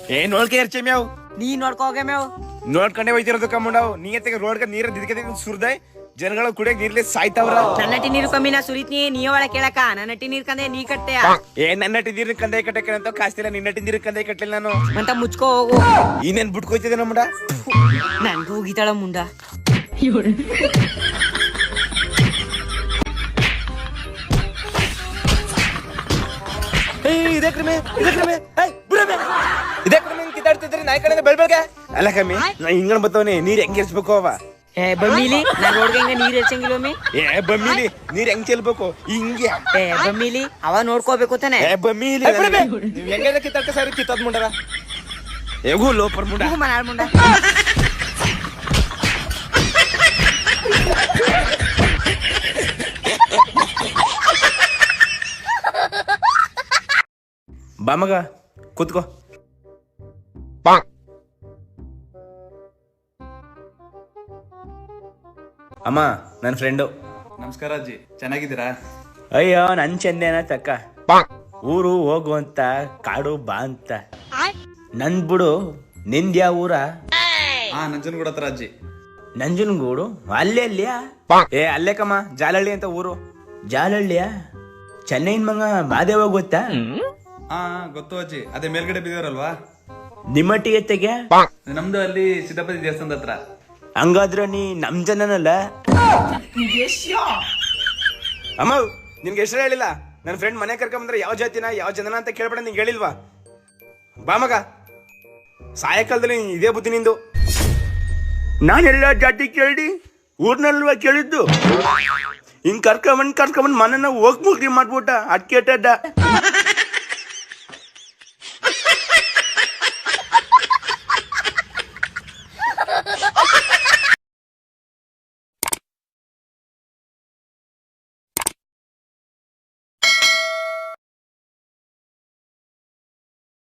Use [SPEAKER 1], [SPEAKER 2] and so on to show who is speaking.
[SPEAKER 1] ನೋಡ್ಕೆ ಇರ್ಚೆ ಮ್ಯಾವ್
[SPEAKER 2] ನೀ ನೋಡ್ಕೋಗೆ ಮೇವ್
[SPEAKER 1] ನೋಡ್ಕೊಂಡೆ ಹೋಯ್ತಿರೋದು ಕಮ್ಮಂಡವ್ ನೀ ರೋಡ್ಕ ನೀರ ದಿದ್ಕೆ ಸುರ್ದೆ ಜನಗಳ ಕುಡಿಯಕ್ ನೀರ್ಲೆ ಸಾಯ್ತಾವ್ರ.
[SPEAKER 2] ನನ್ನಟಿ ನೀರು ಕಮ್ಮಿನ ಸುರಿತ್ನಿ ನೀ ಒಳ ಕೇಳಕ ನನ್ನಟಿ ನೀರ್ ಕಂದೆ ನೀ ಕಟ್ಟೆಯ
[SPEAKER 1] ನನ್ನಟಿ ನೀರ್ ಕಂದೆ ಕಟ್ಟಕ್ಕೆ ಅಂತ ಕಾಸ್ತಿಲ್ಲ ನಿನ್ನಟಿ ನೀರ್ ಕಂದೆ ಕಟ್ಟಲಿಲ್ಲ ನಾನು
[SPEAKER 2] ಅಂತ ಮುಚ್ಕೋ ಹೋಗು.
[SPEAKER 1] ಇನ್ನೇನ್ ಬಿಟ್ಕೋಯ್ತಿದೆ ನಮ್ಮಡ
[SPEAKER 2] ನನ್ಗೂ ಹೋಗಿತಾಳ ಮುಂಡ.
[SPEAKER 1] ಇದೇ ಕ್ರಮೆ ಕಿತ್ತಾಡ್ತಿದ್ರಿ ನಾಯಿ ಕಡೆ ಬೆಳ್ಬೇಕ ಅಲ್ಲ ಕಮ್ಮಿ ನಾ ಹಿಂಗಣ ಬತ್ತವನೆ ನೀರ್ ಹೆಂಗ್ ಇರ್ಸ್ಬೇಕು ಅವ
[SPEAKER 2] ಬಮ್ಮಿಲಿ ನಾನ್ ರೋಡ್ಗೆ ಹಿಂಗ ನೀರ್ ಎರ್ಸಂಗಿಲ್ಲೊಮ್ಮೆ.
[SPEAKER 1] ಬಮ್ಮಿಲಿ ನೀರ್ ಹೆಂಗ್ ಚೆಲ್ಬೇಕು ಹಿಂಗೆ
[SPEAKER 2] ಬಮ್ಮಿಲಿ ಅವ ನೋಡ್ಕೋಬೇಕು ತಾನೆ.
[SPEAKER 1] ಬಮ್ಮಿಲಿ ನೀವ್ ಹೆಂಗ ಕಿತ್ತಾಡ್ಕ ಸರಿ ಕಿತ್ತಾದ್ ಮುಂಡರ ಹೇಗೂ ಲೋಪರ್ ಮುಂಡ
[SPEAKER 2] ಮನಾಳ್ ಮುಂಡ.
[SPEAKER 1] ಬಾ ಮಗ ಕೂತ್ಕೋ. ಅಮ್ಮ ನನ್ನ ಫ್ರೆಂಡು.
[SPEAKER 3] ನಮಸ್ಕಾರ ಅಜ್ಜಿ, ಚೆನ್ನಾಗಿದ್ದೀರಾ?
[SPEAKER 1] ಅಯ್ಯೋ ನನ್ ಚಂದೇನ ತಕ್ಕ ಊರು ಹೋಗು ಅಂತ ಕಾಡು ಬಾ ಅಂತ ನನ್ ಬಿಡು. ನಿಂದ್ಯಾ ಊರ?
[SPEAKER 3] ನಂಜನಗೂಡ ಹತ್ರ ಅಜ್ಜಿ.
[SPEAKER 1] ನಂಜನಗೂಡು ಅಲ್ಲೇ ಅಲ್ಲಿಯಾ? ಅಲ್ಲೇ ಕಮ್ಮ ಜಾಲಹಳ್ಳಿ ಅಂತ ಊರು. ಜಾಲಹಳ್ಳಿಯಾ? ಚೆನ್ನೈನ್ ಮಗ ಮಾದೇವ ಗೊತ್ತಾ?
[SPEAKER 3] ಗೊತ್ತು ಅಜ್ಜಿ, ಅದೇ ಮೇಲ್ಗಡೆ ಬಿದ್ದವರಲ್ವಾ?
[SPEAKER 1] ನಿಮ್ಮಟ್ಟಿಗೆ ತೆಗೆ
[SPEAKER 3] ನಮ್ದು ಅಲ್ಲಿ ಸಿದ್ದಪತಿ ದೇವಸ್ಥಾನದ ಹತ್ರ.
[SPEAKER 1] ಹಂಗಾದ್ರೆ ನೀ ನಮ್ ಜನನಲ್ಲ ಅಮ್ಮ. ನಿನ್ಗೆ ಹೆಸರು ಹೇಳಿಲ್ಲ. ನನ್ನ ಫ್ರೆಂಡ್ ಮನೆ ಕರ್ಕೊಂಬಂದ್ರೆ ಯಾವ ಜಾತಿನ ಯಾವ ಜನನ ಅಂತ ಕೇಳ್ಬೇಡ. ನಿಂಗೆ ಹೇಳಿಲ್ವಾ? ಬಾ ಮಗ. ಸಾಯಂಕಾಲದಲ್ಲಿ ಇದೇ ಬುದ್ಧಿ ನಿಂದು. ನಾನೆಲ್ಲ ಜಾತಿ ಕೇಳಿ ಊರ್ನಲ್ವ ಕೇಳಿದ್ದು. ಹಿಂಗ್ ಕರ್ಕೊಂಬಂದ್ ಮನೆನ ಹೋಗ್ ಮುಗ್ರಿ ಮಾಡ್ಬಿಟ್ಟ ಅಟ್ಕೆಟ್ಟಡ್ಡ.